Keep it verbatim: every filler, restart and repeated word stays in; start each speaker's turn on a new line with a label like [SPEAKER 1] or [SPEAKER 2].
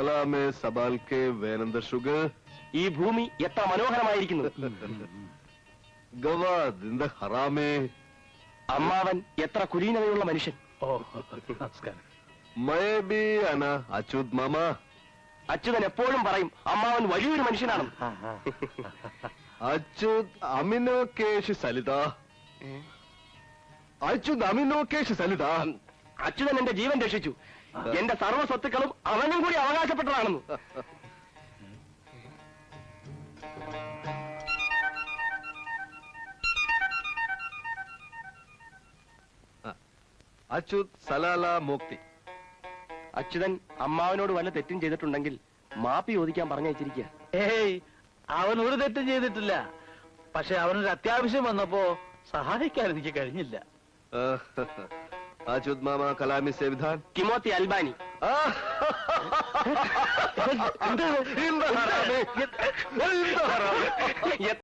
[SPEAKER 1] സലാമേ സബാൽ K വേനന്ദ sugar.
[SPEAKER 2] ഈ ഭൂമി എത്ര മനോഹരമായിരിക്കുന്നു.
[SPEAKER 1] ഗവാദിന്ദ ഹറാമേ.
[SPEAKER 2] അമ്മാവൻ എത്ര കുലീനതയുള്ള മനുഷ്യൻ.
[SPEAKER 3] ഓ നമസ്കാരം.
[SPEAKER 1] മയബി അന അച്യുത് മാമ.
[SPEAKER 2] അച്യുതൻ എപ്പോഴും പറയും അമ്മാവൻ വലിയൊരു മനുഷ്യനാണ്.
[SPEAKER 1] അച്യുത് അമിനോ കേശ് സലിത. അച്യുത് അമിനോ കേശ് സലിത.
[SPEAKER 2] അച്യുതൻ എന്റെ ജീവൻ രക്ഷിച്ചു. എന്റെ സർവ്വ സ്വത്തുക്കളും അവനും കൂടി അവകാശപ്പെട്ടതാണെന്ന്.
[SPEAKER 1] അച്യുത് സലാല മുക്തി.
[SPEAKER 2] അച്യുതൻ അമ്മാവനോട് വല്ല തെറ്റും ചെയ്തിട്ടുണ്ടെങ്കിൽ മാപ്പി ചോദിക്കാൻ പറഞ്ഞയച്ചിരിക്കുക.
[SPEAKER 3] ഏയ് അവൻ ഒരു തെറ്റും ചെയ്തിട്ടില്ല. പക്ഷെ അവനൊരു അത്യാവശ്യം വന്നപ്പോ സഹായിക്കാൻ എനിക്ക് കഴിഞ്ഞില്ല.
[SPEAKER 1] അച്യുത് മാമ കലാമി സേവിധാൻ.
[SPEAKER 2] കിമോത്തി അൽബാനി.
[SPEAKER 1] എന്താ